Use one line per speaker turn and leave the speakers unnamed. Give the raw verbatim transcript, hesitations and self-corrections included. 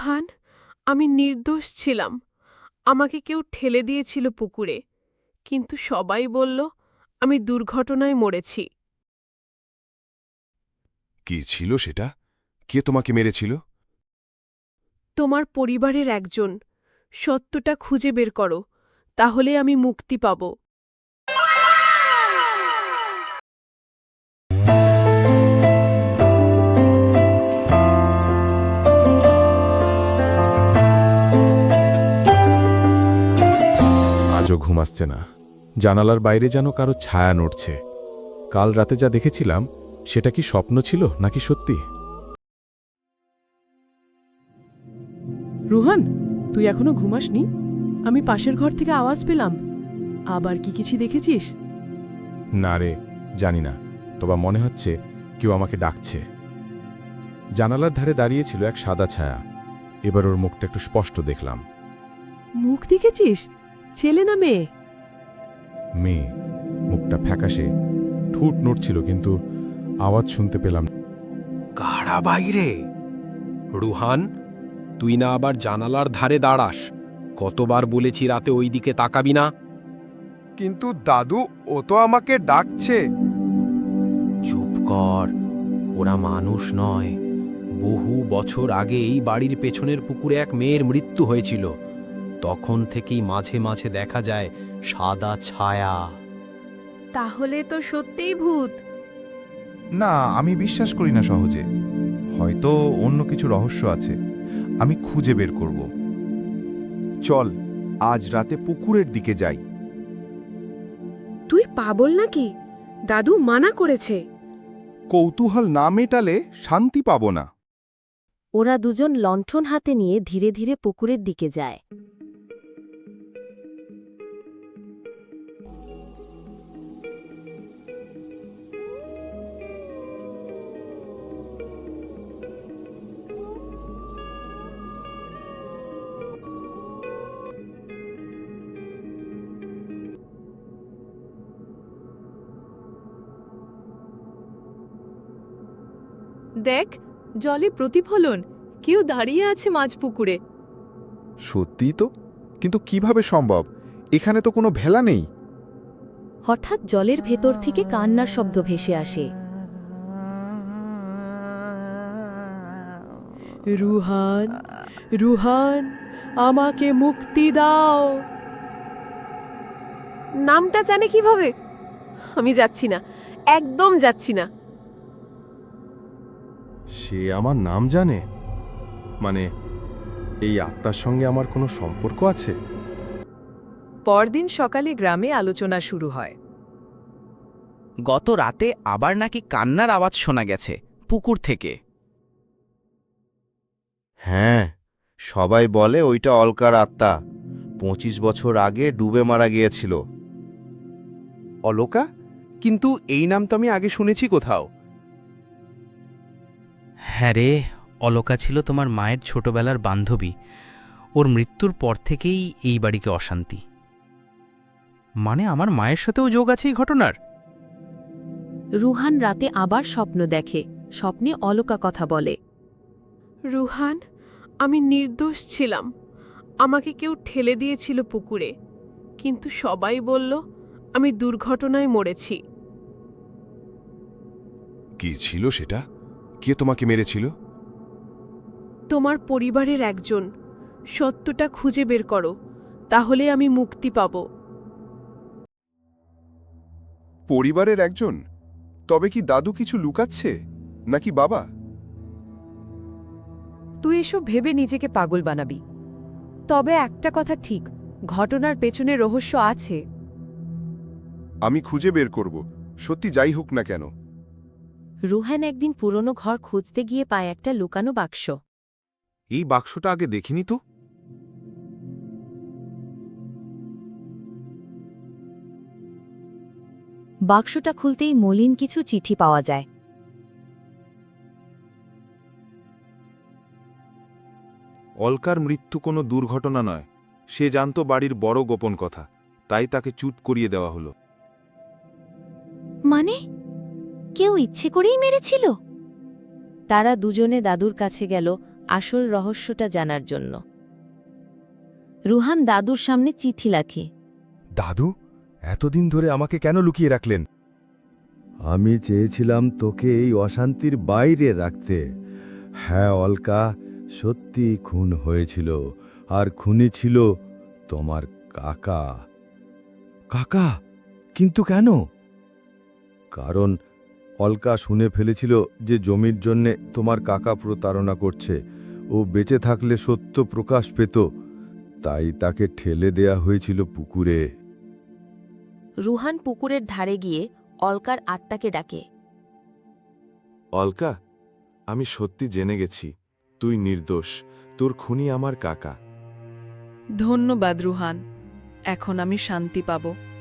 রুহান, আমি নির্দোষ ছিলাম। আমাকে কেউ ঠেলে দিয়েছিল পুকুরে, কিন্তু সবাই বলল আমি দুর্ঘটনায় মরেছি।
কি ছিল সেটা? কে তোমাকে মেরেছিল?
তোমার পরিবারের একজন। সত্যটা খুঁজে বের করো, তাহলে আমি মুক্তি পাব।
আজও ঘুম আসছে না। জানালার বাইরে যেন কারো ছায়া নড়ছে। কাল রাতে যা দেখেছিলাম সেটা কি স্বপ্ন ছিল নাকি সত্যি?
রুহান, তুই এখনো ঘুমাসনি? আমি পাশের ঘর থেকে আওয়াজ পেলাম। আবার কি কিছু দেখেছিস?
না রে, জানি না, তবে মনে হচ্ছে কেউ আমাকে ডাকছে। জানালার ধারে দাঁড়িয়েছিল এক সাদা ছায়া। এবার ওর মুখটা একটু স্পষ্ট দেখলাম।
মুখ দেখেছিস? ছেলে না মেয়ে?
মেয়ে। মুখটা ফ্যাকাশে, ঠোঁট নড়ছিল, কিন্তু আওয়াজ শুনতে পেলাম।
কারা বাইরে? রুহান, তুই না আবার জানালার ধারে দাঁড়াস? কতবার বলেছি রাতে ওই দিকে তাকাবি না।
কিন্তু দাদু, ও তো আমাকে ডাকছে।
চুপ কর, ওরা মানুষ নয়। বহু বছর আগে এই বাড়ির পেছনের পুকুরে এক মেয়ের মৃত্যু হয়েছিল। তখন থেকেই মাঝে মাঝে দেখা যায় সাদা ছায়া।
তাহলে তো সত্যিই ভূত।
না, আমি বিশ্বাস করি না সহজে। হয়তো অন্য কিছু রহস্য আছে, আমি খুঁজে বের করব। চল, আজ রাতে পুকুরের দিকে যাই।
তুই পাগল নাকি? দাদু মানা করেছে।
কৌতূহল না মেটালে শান্তি পাব না।
ওরা দুজন লণ্ঠন হাতে নিয়ে ধীরে ধীরে পুকুরের দিকে যায়।
দেখ, জলে প্রতিফলন। কেউ দাঁড়িয়ে আছে মাঝ পুকুরে।
সত্যি তো, কিন্তু কিভাবে সম্ভব? এখানে তো কোনো ভেলা নেই।
হঠাৎ জলের ভেতর থেকে কান্নার শব্দ ভেসে আসে।
রুহান, রুহান, আমাকে মুক্তি দাও। নামটা জানে কিভাবে? আমি যাচ্ছি না, একদম যাচ্ছি না।
সে আমার নাম জানে? মানে, এই আত্মার সঙ্গে আমার কোনো সম্পর্ক আছে?
পরদিন সকালে গ্রামে আলোচনা শুরু হয়।
গত রাতে আবার নাকি কান্নার আওয়াজ শোনা গেছে পুকুর থেকে।
হ্যাঁ, সবাই বলে ওইটা অলকার আত্মা। পঁচিশ বছর আগে ডুবে মারা গিয়েছিল।
অলোকা? কিন্তু এই নাম তো আমি আগে শুনেছি কোথাও।
হ্যাঁ রে, অলকা ছিল তোমার মায়ের ছোটবেলার বান্ধবী। ওর মৃত্যুর পর থেকেই এই বাড়িকে অশান্তি। মানে আমার মায়ের সাথেও যোগ আছে এই ঘটনার।
রুহান রাতে আবার স্বপ্ন দেখে। স্বপ্নে অলকা কথা বলে।
রুহান, আমি নির্দোষ ছিলাম। আমাকে কেউ ঠেলে দিয়েছিল পুকুরে, কিন্তু সবাই বলল আমি দুর্ঘটনায় মরেছি।
কি ছিল সেটা? কে তোমাকে মেরেছিল?
তোমার পরিবারের একজন। সত্যটা খুঁজে বের করো, তাহলে আমি মুক্তি পাব।
পরিবারের একজন? তবে কি দাদু কিছু লুকাচ্ছে, নাকি বাবা?
তুই এসব ভেবে নিজেকে পাগল বানাবি। তবে একটা কথা ঠিক, ঘটনার পেছনে রহস্য আছে।
আমি খুঁজে বের করব, সত্যি যাই হোক না কেন।
রুহান একদিন পুরনো ঘর খুঁজতে গিয়ে পায় একটা লুকানো বাক্স।
এই বাক্সটা আগে দেখিনি তো।
বাক্সটা খুলতেই মলিন কিছু চিঠি পাওয়া যায়।
অলকার মৃত্যু কোনো দুর্ঘটনা নয়। সে জানত বাড়ির বড় গোপন কথা, তাই তাকে চুপ করিয়ে দেওয়া হলো।
মানে কেউ ইচ্ছে করেই মেরেছিল? তারা দুজনে দাদুর কাছে গেল আসল রহস্যটা জানার জন্য। রুহান দাদুর সামনে চিঠি লেখে।
দাদু, এতদিন ধরে আমাকে কেন লুকিয়ে রাখলেন?
আমি চেয়েছিলাম তোকে এই অশান্তির বাইরে রাখতে। হ্যাঁ অলকা, সত্যি খুন হয়েছিল, আর খুনি ছিল তোমার কাকা।
কাকা, কিন্তু কেন?
কারণ অলকা শুনে ফেলেছিল যে জমির জন্যে তোমার কাকা প্রতারণা করছে। ও বেঁচে থাকলে সত্য প্রকাশ পেত, তাই তাকে ঠেলে দেয়া হয়েছিল পুকুরে।
রুহান পুকুরের ধারে গিয়ে অলকার আত্মাকে ডাকে।
অলকা, আমি সত্যি জেনে গেছি তুই নির্দোষ, তোর খুনি আমার কাকা।
ধন্যবাদ রুহান, এখন আমি শান্তি পাব।